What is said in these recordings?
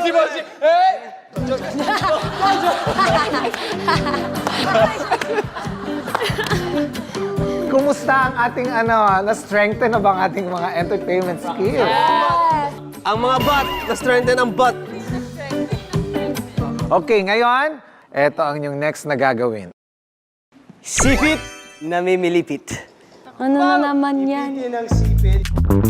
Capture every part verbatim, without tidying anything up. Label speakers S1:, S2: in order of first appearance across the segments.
S1: si Boss G! Eh!
S2: Kumusta ang ating ano, na-strengthen na ba ang ating mga entertainment skills?
S1: Ang mga bot, na-strengthen ang bot.
S2: Okay, ngayon, eto ang yung next na gagawin.
S1: Sipit na mimilipit.
S3: Ano na naman yan?
S1: Yan ang sipit.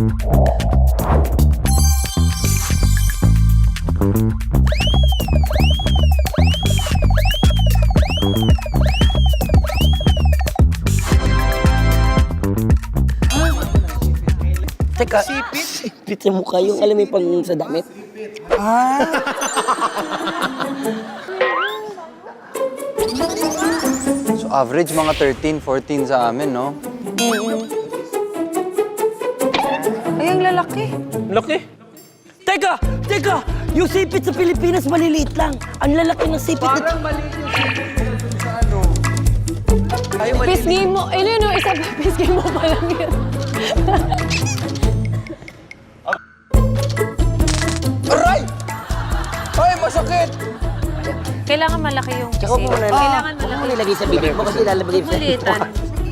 S4: Teka, sipit? Sipit sa mukha yung alam mo yung pang sa damit?
S5: So average mga thirteen, fourteen sa amin, no?
S3: Ay, ang lalaki.
S1: Laki.
S4: Teka! Teka! Yung sipit sa Pilipinas maliliit lang. Ang lalaki ng sipit na...
S1: Parang maliit yung sipit sa ano. Ay, maliit.
S3: Pisgay mo. Ay, no, no, isa pa. Pisgay mo pa lang yun.
S1: Aray! Ay, masakit!
S3: Kailangan malaki yung
S4: Tsaka mo muna.
S3: Kailangan
S4: Huwag mo
S3: malaki.
S4: nilagay sa bibig mo kasi lalabagay sa...
S3: Malitan.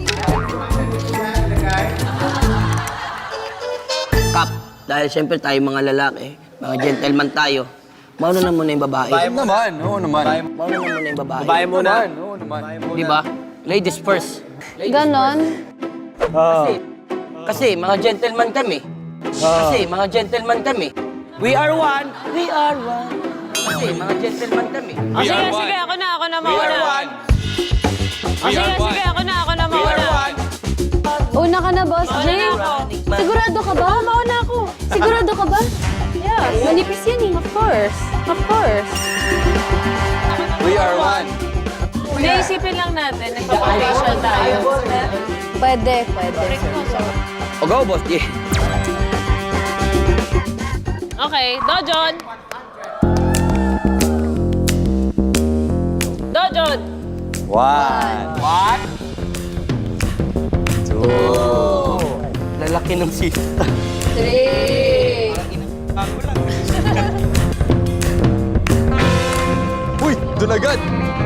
S4: Kap, dahil siyempre tayo mga lalaki, mga gentleman tayo, mauna na muna yung babae.
S5: Oo naman, oo naman.
S4: Mauna na muna yung babae.
S1: Babae mo na.
S5: Oo naman.
S4: Di ba? Ladies first.
S3: Ganon.
S4: Kasi, kasi mga gentleman kami. Kasi mga gentleman kami. We are one, we are one. Kasi mga gentleman kami.
S3: O sige, sige. Ako na, ako na
S1: We are
S3: mauna.
S1: one.
S3: O sige, sige. Ako na, ako na
S1: We are
S3: mauna.
S1: one.
S6: Una ka na, Boss J.
S3: Mauna na ako.
S6: Sigurado ka ba? Mauna ako. Sigurado ka ba?
S3: Yeah.
S6: Manipis yan eh.
S3: Of course. Of course.
S5: We are one.
S3: Naisipin lang natin. Nagpa-facial tayo.
S6: Pwede, pwede.
S4: O go, Boss G.
S3: Okay, Dojon. Dojon.
S5: One.
S1: What?
S4: Lalaki ng sipit.
S6: Three.
S5: Uy, doon agad.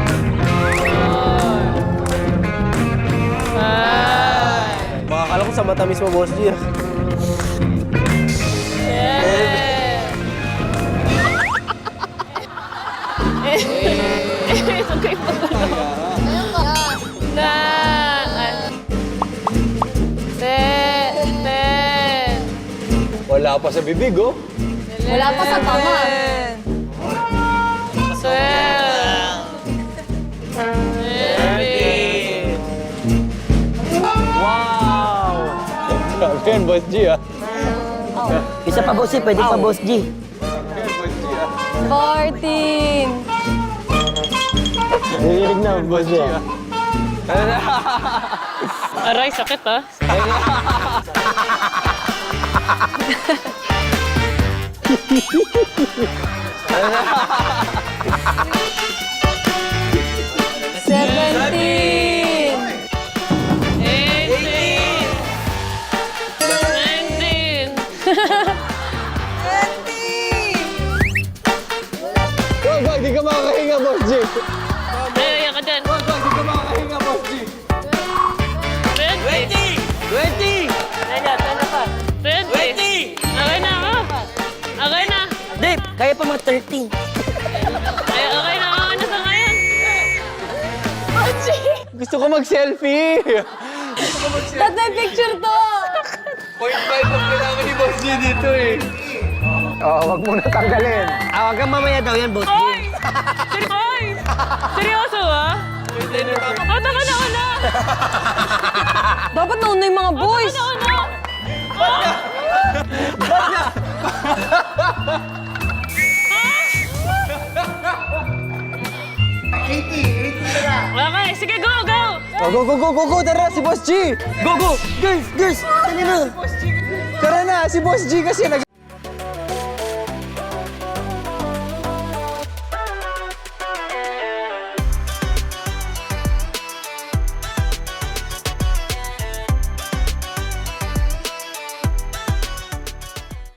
S1: Baka akala ko sa mata mismo, Boss G.
S3: Ito kayo pagkalo. Na. Ten. Ten.
S1: Wala pa sa bibig, oh.
S6: Wala pa sa tama.
S3: Twelve. Thirteen.
S1: Wow! Grabe yan, Boss G, ah.
S4: Isa pa, Boss G. Pwede pa, Boss G.
S6: Fourteen.
S1: Narinig na, Boss G, ah.
S3: Aray, sakit ah.
S6: Seventeen.
S3: Eighteen. Nineteen.
S1: Wag, wag, di ka makakahinga, Boss G.
S3: Ay, ayan ka dyan.
S1: Wag, wag, di ka makakahinga, Boss G.
S3: Twenty.
S4: Twenty!
S3: Ayan, tanda pa. Twenty. Okay na ako. Okay na.
S4: Dave, kaya pa mga thirteen.
S3: Ay, okay na ako. Ano sa ngayon?
S1: Gusto ko mag-selfie.
S6: Ba't may picture to?
S1: Point five ang kailangan ni Boss G dito, eh.
S2: Oo, wag muna tanggalin.
S4: Ah, wag kang mamaya daw yan, Boss G.
S3: Oy! Seri- Oy! Seryoso ah? O, taka na una.
S6: Dapat nauna yung mga boys.
S3: Taka na una. Okay, sige, go, go!
S1: Oh, go, go, go, go, go, tara, si Boss G.
S4: Go, go! Girls, girls! Tali na!
S1: Tara na, si Boss G kasi nag...